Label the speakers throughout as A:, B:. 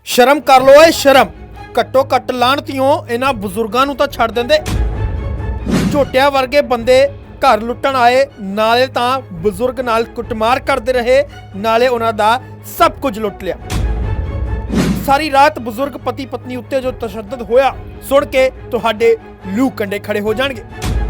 A: ਸ਼ਰਮ ਕਰ ਲੋ ਏ ਸ਼ਰਮ। ਘੱਟੋ ਘੱਟ ਲਾਹਣਤੀਓ ਇਹਨਾਂ ਬਜ਼ੁਰਗਾਂ ਨੂੰ ਤਾਂ ਛੱਡ ਦਿੰਦੇ। ਝੋਟਿਆਂ ਵਰਗੇ ਬੰਦੇ ਘਰ ਲੁੱਟਣ ਆਏ, ਨਾਲੇ ਤਾਂ ਬਜ਼ੁਰਗ ਨਾਲ ਕੁੱਟਮਾਰ ਕਰਦੇ ਰਹੇ, ਨਾਲੇ ਉਹਨਾਂ ਦਾ ਸਭ ਕੁਝ ਲੁੱਟ ਲਿਆ। ਸਾਰੀ ਰਾਤ ਬਜ਼ੁਰਗ ਪਤੀ ਪਤਨੀ ਉੱਤੇ ਜੋ ਤਸ਼ੱਦਦ ਹੋਇਆ ਸੁਣ ਕੇ ਤੁਹਾਡੇ ਲੂ ਕੰਡੇ ਖੜੇ ਹੋ ਜਾਣਗੇ।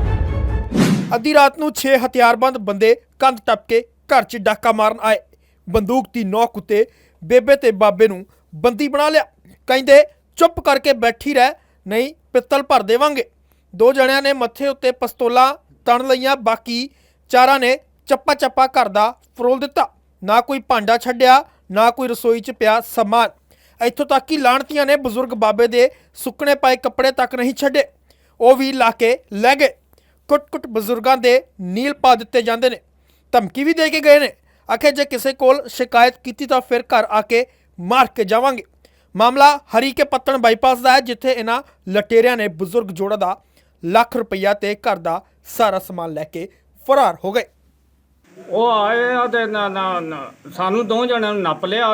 A: ਅੱਧੀ ਰਾਤ ਨੂੰ 6 ਹਥਿਆਰਬੰਦ ਬੰਦੇ ਕੰਧ ਟੱਪ ਕੇ ਘਰ 'ਚ ਡਾਕਾ ਮਾਰਨ ਆਏ। ਬੰਦੂਕ ਦੀ ਨੋਕ ਉੱਤੇ ਬੇਬੇ ਤੇ ਬਾਬੇ ਨੂੰ ਬੰਦੀ ਬਣਾ ਲਿਆ। ਕਹਿੰਦੇ ਚੁੱਪ ਕਰਕੇ ਬੈਠੀ ਰਹਿ, ਨਹੀਂ ਪਿੱਤਲ ਭਰ ਦੇਵਾਂਗੇ। 2 ਜਣਿਆਂ ਨੇ ਮੱਥੇ ਉੱਤੇ ਪਿਸਤੌਲਾਂ ਤਣ ਲਈਆਂ, ਬਾਕੀ 4 ਨੇ ਚੱਪਾ ਚੱਪਾ ਘਰ ਦਾ ਫਰੋਲ ਦਿੱਤਾ। ਨਾ ਕੋਈ ਭਾਂਡਾ ਛੱਡਿਆ, ਨਾ ਕੋਈ ਰਸੋਈ 'ਚ ਪਿਆ ਸਮਾਨ। ਇੱਥੋਂ ਤੱਕ ਕਿ ਲਾਹਣਤੀਆਂ ਨੇ ਬਜ਼ੁਰਗ ਬਾਬੇ ਦੇ ਸੁੱਕਣੇ ਪਏ ਕੱਪੜੇ ਤੱਕ ਨਹੀਂ ਛੱਡੇ, ਉਹ ਵੀ ਲਾ ਕੇ ਲੈ ਗਏ। ਕੁੱਟ-ਕੁੱਟ ਬਜ਼ੁਰਗਾਂ ਦੇ ਨੀਲ ਪਾ ਦਿੱਤੇ ਜਾਂਦੇ ਨੇ। ਧਮਕੀ ਵੀ ਦੇ ਕੇ ਗਏ ਨੇ, ਆਖੇ ਜੇ ਕਿਸੇ ਕੋਲ ਸ਼ਿਕਾਇਤ ਕੀਤੀ ਤਾਂ ਫਿਰ ਘਰ ਆ ਕੇ ਮਾਰ ਕੇ ਜਾਵਾਂਗੇ। ਮਾਮਲਾ ਹਰੀਕੇ ਪੱਤਣ ਬਾਈਪਾਸ ਦਾ ਹੈ, ਜਿੱਥੇ ਇਹਨਾਂ ਲਟੇਰਿਆਂ ਨੇ ਬਜ਼ੁਰਗ ਜੋੜਾ ਦਾ ਲੱਖ ਰੁਪਈਆ ਤੇ ਘਰ ਦਾ ਸਾਰਾ ਸਮਾਨ ਲੈ ਕੇ ਫਰਾਰ ਹੋ ਗਏ।
B: ਉਹ ਆਏ ਆ ਤੇ ਸਾਨੂੰ 2 ਜਣਿਆਂ ਨੂੰ ਨੱਪ ਲਿਆ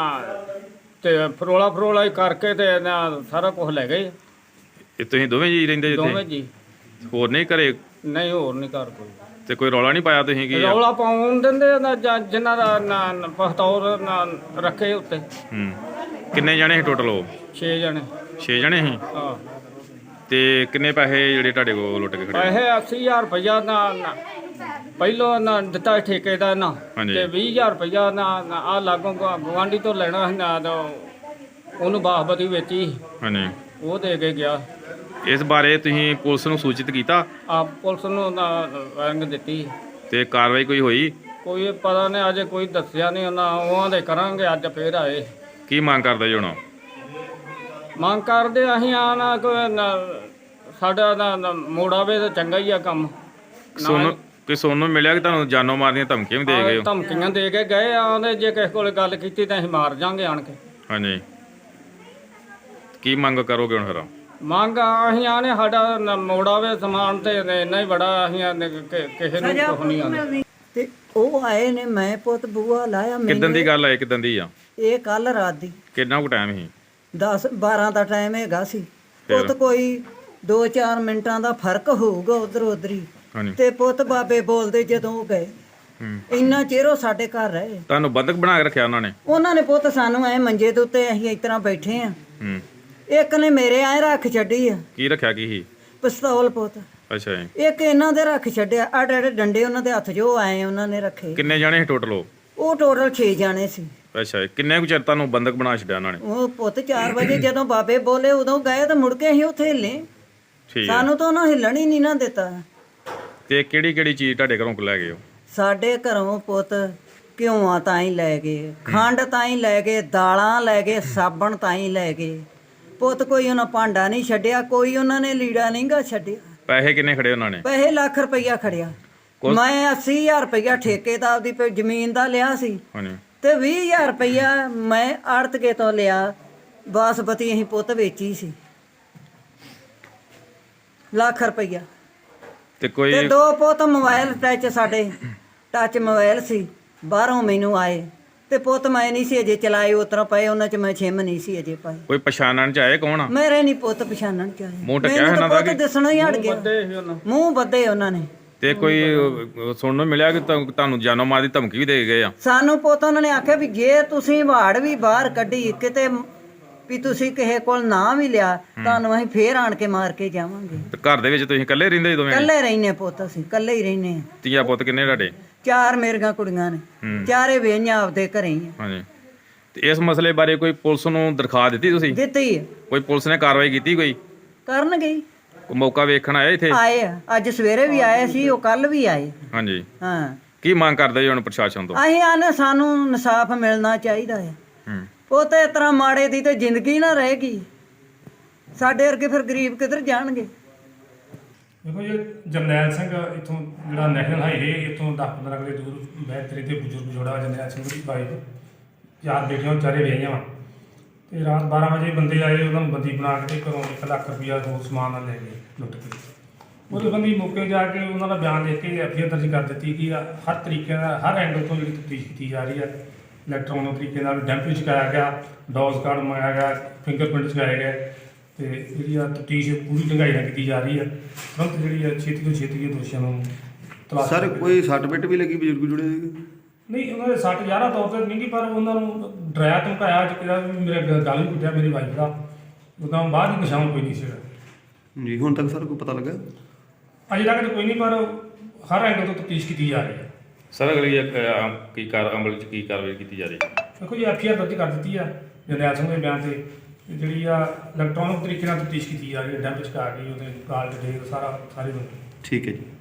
B: ਤੇ ਫਰੋਲਾ ਹੀ ਕਰਕੇ ਤੇ ਸਾਰਾ ਕੁਝ ਲੈ ਗਏ।
C: ਇਹ ਤੁਸੀਂ ਦੋਵੇਂ ਜੀ ਰਹਿੰਦੇ
B: ਦੋਵੇਂ
C: ਜਿੱਥੇ?
B: ਜੀ।
C: ਹੋਰ ਨਹੀਂ ਘਰੇ?
B: ਨਹੀਂ, ਹੋਰ ਨਹੀਂ ਘਰ ਕੋਈ।
C: ਤੇ ਕੋਈ ਰੌਲਾ ਨਹੀਂ ਪਾਇਆ ਤੁਸੀਂ ਕੀ?
B: ਰੌਲਾ ਪਾਉਣ ਦਿੰਦੇ ਜਿਨ੍ਹਾਂ ਦਾ ਪਖਤੌਰ ਰੱਖੇ ਉੱਤੇ।
C: ਕਿੰਨੇ ਜਣੇ ਸੀ ਟੋਟਲ? ਉਹ
B: 6 ਜਣੇ।
C: 6 ਜਣੇ ਸੀ।
B: ਹਾਂ।
C: ਤੇ ਕਿੰਨੇ ਪੈਸੇ ਜਿਹੜੇ ਤੁਹਾਡੇ ਕੋਲ ਲੁੱਟ ਕੇ ਖੜੇ?
B: ਪੈਸੇ 80,000 ਰੁਪਇਆ ਪਹਿਲੋਂ ਦਿੱਤਾ ਠੇਕੇ ਦਾ ਨਾ,
C: ਹਾਂਜੀ।
B: ਤੇ 20,000 ਰੁਪਇਆ ਆ ਲਾਗੋਂ ਗਵਾਂਢੀ ਤੋਂ ਲੈਣਾ ਸੀ ਨਾ, ਉਹਨੂੰ ਬਾਸਪਤੀ ਵੇਚੀ,
C: ਹਾਂਜੀ।
B: ਉਹ ਦੇ ਕੇ ਗਿਆ।
C: ਇਸ ਬਾਰੇ ਤੁਸੀਂ ਪੁਲਿਸ ਨੂੰ ਸੂਚਿਤ ਕੀਤਾ?
B: ਆ ਪੁਲਿਸ ਨੂੰ ਰੰਗ ਦਿੱਤੀ।
C: ਤੇ ਕਾਰਵਾਈ ਕੋਈ ਹੋਈ?
B: ਕੋਈ ਪਤਾ ਨਹੀਂ, ਅਜੇ ਕੋਈ ਦੱਸਿਆ ਨਹੀਂ ਉਹਨਾਂ। ਉਹਾਂ ਦੇ ਕਰਾਂਗੇ, ਅੱਜ ਫੇਰ ਆਏ।
C: ਕੀ ਮੰਗ ਕਰਦੇ ਜੀ ਹੁਣ?
B: ਮੰਗ ਕਰਦੇ ਅਸੀਂ ਆਣਾ ਸਾਡਾ ਮੋੜਾਵੇ ਤਾਂ ਚੰਗਾ ਹੀ ਆ ਕੰਮ।
C: ਸੋਨੂੰ ਮਿਲਿਆ ਕਿ ਤੁਹਾਨੂੰ ਜਾਨੋਂ ਮਾਰਨ ਦੀਆਂ ਧਮਕੀਆਂ ਵੀ ਦੇ ਗਏ ਹੋ?
B: ਧਮਕੀਆਂ ਦੇ ਕੇ ਗਏ ਆਂਦੇ ਜੇ ਕਿਸੇ ਕੋਲ ਗੱਲ ਕੀਤੀ ਤਾਂ ਅਸੀਂ ਮਾਰ ਜਾਾਂਗੇ ਆਣ ਕੇ।
C: ਹਾਂਜੀ। ਕੀ ਮੰਗ ਕਰੋਗੇ ਹੁਣ ਫਿਰ?
B: ਮੰਗ ਅਸੀਂ ਆਣੇ ਸਾਡਾ ਮੋੜਾਵੇ ਸਮਾਨ ਤੇ ਇੰਨਾ ਹੀ ਬੜਾ, ਅਸੀਂ ਕਿਸੇ ਨੂੰ ਕੁਝ ਨਹੀਂ ਆਉਂਦੇ।
D: ਤੇ ਉਹ ਆਏ ਨੇ, ਮੈਂ ਪੁੱਤ ਬੂਆ ਲਾਇਆ।
C: ਕਿੱਦਣ ਦੀ ਗੱਲ ਹੈ? ਕਿੱਦਣ ਦੀ ਆ
D: ਇਹ ਕੱਲ ਰਾਤ ਦੀ।
C: ਕਿੰਨਾ ਕੁ ਟਾਈਮ ਸੀ?
D: 10-12 ਦਾ ਟਾਈਮ ਹੈਗਾ ਸੀ। ਪੁੱਤ ਕੋਈ 2-4 ਮਿੰਟਾਂ ਦਾ ਫਰਕ ਹੋਊਗਾ ਉਧਰ ਉਧਰੀ।
C: ਹਾਂਜੀ।
D: ਤੇ ਪੁੱਤ ਬਾਬੇ ਬੋਲਦੇ ਜਦੋਂ ਉਹ ਗਏ, ਇੰਨਾ ਚਿਰ ਉਹ ਸਾਡੇ ਘਰ ਰਹੇ।
C: ਤੁਹਾਨੂੰ ਬੰਦਕ ਬਣਾ ਕੇ ਰੱਖਿਆ ਉਹਨਾਂ ਨੇ?
D: ਉਹਨਾਂ ਨੇ ਪੁੱਤ ਸਾਨੂੰ ਐ ਮੰਜੇ ਦੇ ਉੱਤੇ, ਅਸੀਂ ਇਸ ਤਰ੍ਹਾਂ ਬੈਠੇ ਆ। ਇੱਕ ਨੇ ਮੇਰੇ ਐ ਰੱਖ ਛੱਡੀ ਆ।
C: ਕੀ ਰੱਖਿਆ ਕੀ ਸੀ?
D: ਪਿਸਤੌਲ ਪੁੱਤ।
C: ਅੱਛਾ ਜੀ।
D: ਇੱਕ ਇਹਨਾਂ ਦੇ ਰੱਖ ਛੱਡਿਆ, ਆੜੇ ਡੰਡੇ ਉਹਨਾਂ ਦੇ ਹੱਥ ਜੋ ਆਏ ਉਹਨਾਂ ਨੇ ਰੱਖੇ।
C: ਕਿੰਨੇ ਜਾਣੇ ਸੀ ਟੋਟਲ?
D: ਉਹ ਟੋਟਲ 6 ਜਾਣੇ ਸੀ।
C: ਅੱਛਾ ਜੀ। ਕਿੰਨੇ ਕੁ ਚਿਰ ਤੁਹਾਨੂੰ ਬੰਦਕ ਬਣਾ ਛੱਡਿਆ ਉਹਨਾਂ ਨੇ?
D: ਉਹ ਪੁੱਤ 4 ਵਜੇ ਜਦੋਂ ਬਾਬੇ ਬੋਲੇ ਉਦੋਂ ਗਏ ਤੇ ਮੁੜ ਕੇ ਅਸੀਂ ਉੱਥੇ ਹਿੱਲੇ।
C: ਠੀਕ ਹੈ।
D: ਸਾਨੂੰ ਤਾਂ ਉਹਨਾਂ ਹਿੱਲਣ ਹੀ ਨਹੀਂ ਨਾ ਦਿੱਤਾ।
C: ਤੇ ਕਿਹੜੀ ਕਿਹੜੀ ਚੀਜ਼ ਤੁਹਾਡੇ ਘਰੋਂ ਲੈ ਗਏ ਹੋ?
D: ਸਾਡੇ ਘਰੋਂ ਪੁੱਤ ਘਿਓਆਂ ਤਾਂ ਹੀ ਲੈ ਗਏ, ਖੰਡ ਤਾਂ ਹੀ ਲੈ ਗਏ, ਦਾਲਾਂ ਲੈ ਗਏ, ਸਾਬਣ ਤਾਂ ਹੀ ਲੈ ਗਏ। ਪੁੱਤ ਕੋਈ ਉਹਨਾਂ ਭਾਂਡਾ ਨਹੀਂ ਛੱਡਿਆ, ਕੋਈ ਉਹਨਾਂ ਨੇ ਲੀੜਾ ਨਹੀਂ ਗਾ ਛੱਡਿਆ।
C: ਪੈਸੇ ਕਿੰਨੇ ਖੜੇ ਉਹਨਾਂ ਨੇ?
D: ਪੈਸੇ ਲੱਖ ਰੁਪਈਆ ਖੜਿਆ। ਮੈਂ 80,000 ਰੁਪਈਆ ਠੇਕੇ ਦਾ ਆਪਦੀ ਜ਼ਮੀਨ ਦਾ ਲਿਆ ਸੀ,
C: ਹਾਂਜੀ।
D: ਤੇ 20,000 ਰੁਪਈਆ ਮੈਂ ਆੜਤਕੇ ਤੋਂ ਲਿਆ। ਬਾਸਪਤੀ ਅਸੀਂ ਪੁੱਤ ਵੇਚੀ ਸੀ, ਲੱਖ ਰੁਪਈਆ।
C: ਤੇ ਕੋਈ
D: ਤੇ 2 ਪੁੱਤ ਮੋਬਾਈਲ ਸਾਡੇ ਟੱਚ ਮੋਬਾਈਲ ਸੀ, ਬਾਹਰੋਂ ਮੈਨੂੰ ਆਏ। ਤੇ ਪੁੱਤ ਮੈਂ ਨਹੀਂ ਸੀ ਅਜੇ ਚਲਾਏ, ਉਤਰਾ ਪਏ ਉਹਨਾਂ ਚ ਮੈਂ ਛਿਮ ਨਹੀਂ ਸੀ ਅਜੇ ਪਾਏ।
C: ਕੋਈ ਪਛਾਣਨ ਚ ਆਏ ਕੌਣ ਆ?
D: ਮੇਰੇ ਨਹੀਂ ਪੁੱਤ ਪਛਾਣਨ ਚ ਆਏ।
C: ਮੂੰਹ ਢੱਕਿਆ ਇਹਨਾਂ ਦਾ?
D: ਪੁੱਤ ਦਿਸਣਾ ਹੀ ਹਟ ਗਿਆ, ਮੂੰਹ ਬੱਧੇ ਉਹਨਾਂ ਨੇ।
C: ਤੇ ਕੋਈ ਸੁਣਨ ਨੂੰ ਮਿਲਿਆ ਕਿ ਤੁਹਾਨੂੰ ਜਾਨੋਂ ਮਾਰ ਦੀ ਧਮਕੀ ਵੀ ਦੇ ਗਏ ਆ?
D: ਸਾਨੂੰ ਪੁੱਤ ਉਹਨਾਂ ਨੇ ਆਖਿਆ ਵੀ ਜੇ ਤੁਸੀਂ ਵਾੜ ਵੀ ਬਾਹਰ ਕੱਢੀ ਕਿਤੇ ਵੀ ਤੁਸੀਂ ਕਿਸੇ ਕੋਲ ਨਾ ਵੀ ਲਿਆ, ਤੁਹਾਨੂੰ ਅਸੀਂ ਫੇਰ ਆਣ ਕੇ ਮਾਰ ਕੇ ਜਾਵਾਂਗੇ।
C: ਤੇ ਘਰ ਦੇ ਵਿੱਚ ਤੁਸੀਂ ਇਕੱਲੇ ਰਹਿੰਦੇ ਦੋਵੇਂ?
D: ਇਕੱਲੇ ਰਹਿੰਦੇ ਪੁੱਤ, ਅਸੀਂ ਇਕੱਲੇ ਹੀ ਰਹਿੰਦੇ ਆ।
C: ਧੀਆ ਪੁੱਤ ਕਿੰਨੇ ਤੁਹਾਡੇ?
D: 4 ਮੇਰੀਆਂ ਕੁੜੀਆਂ ਨੇ, ਚਾਰੇ ਵੇਹੀਆਂ ਆਪਦੇ ਘਰੇ ਹੀ ਆ।
C: ਹਾਂਜੀ। ਤੇ ਇਸ ਮਸਲੇ ਬਾਰੇ ਕੋਈ ਪੁਲਿਸ ਨੂੰ ਦਰਖਾਸਤ ਦਿੱਤੀ ਤੁਸੀਂ?
D: ਦਿੱਤੀ ਆ।
C: ਕੋਈ ਪੁਲਿਸ ਨੇ ਕਾਰਵਾਈ ਕੀਤੀ? ਕੋਈ
D: ਕਰਨਗੇ।
C: ਕੋਈ ਮੌਕਾ ਵੇਖਣ ਆਇਆ ਇੱਥੇ?
D: ਆਏ ਆ, ਅੱਜ ਸਵੇਰੇ ਵੀ ਆਏ ਸੀ, ਉਹ ਕੱਲ ਵੀ ਆਏ।
C: ਹਾਂਜੀ।
D: ਹਾਂ।
C: ਕੀ ਮੰਗ ਕਰਦੇ ਜੀ ਹੁਣ ਪ੍ਰਸ਼ਾਸਨ ਤੋਂ?
D: ਅਸੀਂ ਆਨੇ ਸਾਨੂੰ ਇਨਸਾਫ ਮਿਲਣਾ ਚਾਹੀਦਾ ਹੈ। ਉਹ ਤੇ ਇਸ ਤਰ੍ਹਾਂ ਮਾੜੇ ਦੀ ਤੇ ਜ਼ਿੰਦਗੀ ਨਾ ਰਹੇਗੀ, ਸਾਡੇ ਵਰਗੇ ਫਿਰ ਗਰੀਬ ਕਿੱਧਰ ਜਾਣਗੇ।
E: ਦੇਖੋ ਜੀ, ਜਰਨੈਲ ਸਿੰਘ ਇੱਥੋਂ ਜਿਹੜਾ ਨੈਸ਼ਨਲ ਹਾਈਵੇ ਇੱਥੋਂ 10-15 ਕਿਲੇ ਦੂਰ ਬੈਤਰੀ ਤੇ ਬਜ਼ੁਰਗ ਜੋੜਾ ਜਰਨੈਲ ਸਿੰਘ ਦੀ ਵਾਈਫ, 4 ਬੇਟੀਆਂ, ਵਿਚਾਰੇ ਵਿਆਹੀਆਂ ਵਾ। ਤੇ ਰਾਤ 12 ਵਜੇ ਬੰਦੇ ਆਏ, ਉਹਨਾਂ ਨੂੰ ਬੰਦੀ ਬਣਾ ਕੇ ਘਰੋਂ 1 ਲੱਖ ਰੁਪਈਆ ਹੋਰ ਸਮਾਨ ਨਾਲ ਲੈ ਗਏ ਲੁੱਟ ਕੇ। ਉਹਦੇ ਬੰਦੀ ਮੌਕੇ ਜਾ ਕੇ ਉਹਨਾਂ ਦਾ ਬਿਆਨ ਦੇ ਕੇ ਐਫਆਈਆਰ ਦਰਜ ਕਰ ਦਿੱਤੀ ਕਿ ਹਰ ਤਰੀਕੇ ਨਾਲ, ਹਰ ਐਂਗਲ ਤੋਂ ਜਿਹੜੀ ਤਫਤੀਸ਼ ਕੀਤੀ ਜਾ ਰਹੀ ਹੈ। ਇਲੈਕਟ੍ਰੋਨਿਕ ਤਰੀਕੇ ਨਾਲ ਡੈਂਪ ਚੁਕਾਇਆ ਗਿਆ, ਡੋਜ਼ ਕਾਰਡ ਮੰਗਾਇਆ ਗਿਆ, ਫਿੰਗਰਪ੍ਰਿੰਟ ਚੁਕਾਏ ਗਏ ਤੇ ਜਿਹੜੀ ਆ ਤਫਤੀਸ਼ ਪੂਰੀ ਢੰਗਾਈ ਨਾਲ ਕੀਤੀ ਜਾ ਰਹੀ ਹੈ। ਤੁਰੰਤ ਜਿਹੜੀ ਆ ਛੇਤੀ ਤੋਂ ਛੇਤੀ ਇਹ ਦੋਸ਼ੀਆਂ ਨੂੰ ਤਲਾਸ਼
F: ਸਰ
E: ਕਰਕੇ-
F: ਕੋਈ ਸੱਟ ਪਿੱਟ ਵੀ ਲੱਗੀ ਬਜ਼ੁਰਗ ਜੁੜੇ ਸੀਗੇ?
E: ਨਹੀਂ, ਉਹਨਾਂ ਦੇ ਸੱਟ ਜ਼ਿਆਦਾ ਤੌਰ ਤੇ ਨਹੀਂ ਗੀ, ਪਰ ਉਹਨਾਂ ਨੂੰ ਡਰਾਇਆ ਧਮਕਾਇਆ ਅੱਜ ਕਿਹਾ ਵੀ ਮੇਰੇ ਗਲ ਵੀ ਕੁੱਟਿਆ ਮੇਰੀ ਵਾਈਫ ਦਾ, ਉਦੋਂ ਬਾਅਦ ਹੀ ਨਿਸ਼ਾਨ ਕੋਈ ਨਹੀਂ ਸੀਗਾ
F: ਜੀ ਹੁਣ ਤੱਕ ਸਰ ਕੋਈ ਪਤਾ ਲੱਗਾ?
E: ਅਜੇ ਤੱਕ ਤਾਂ ਕੋਈ ਨਹੀਂ, ਪਰ ਹਰ ਐਂਗਲ ਤੋਂ ਤਫਤੀਸ਼ ਕੀਤੀ ਜਾ ਰਹੀ ਹੈ।
C: ਸਰ ਅਗਲੀ ਕੀ ਅਮਲ ਚ ਕੀ ਕਾਰਵਾਈ ਕੀਤੀ ਜਾ ਰਹੀ ਹੈ?
E: ਦੇਖੋ ਜੀ, FIR ਦਰਜ ਕਰ ਦਿੱਤੀ ਆ ਜਰਨੈਲ ਸਿੰਘ ਦੇ ਬਿਆਨ ਤੇ ਜਿਹੜੀ ਆ ਇਲੈਕਟ੍ਰੋਨਿਕ ਤਰੀਕੇ ਨਾਲ ਤਫਤੀਸ਼ ਕੀਤੀ ਜਾ ਰਹੀ ਹੈ, ਡੈਂਪ ਚੁਕਾ ਕੇ ਉਹਦੇ ਕਾਲ ਡਿਟੇਲ ਸਾਰੀ
F: ਠੀਕ ਹੈ ਜੀ।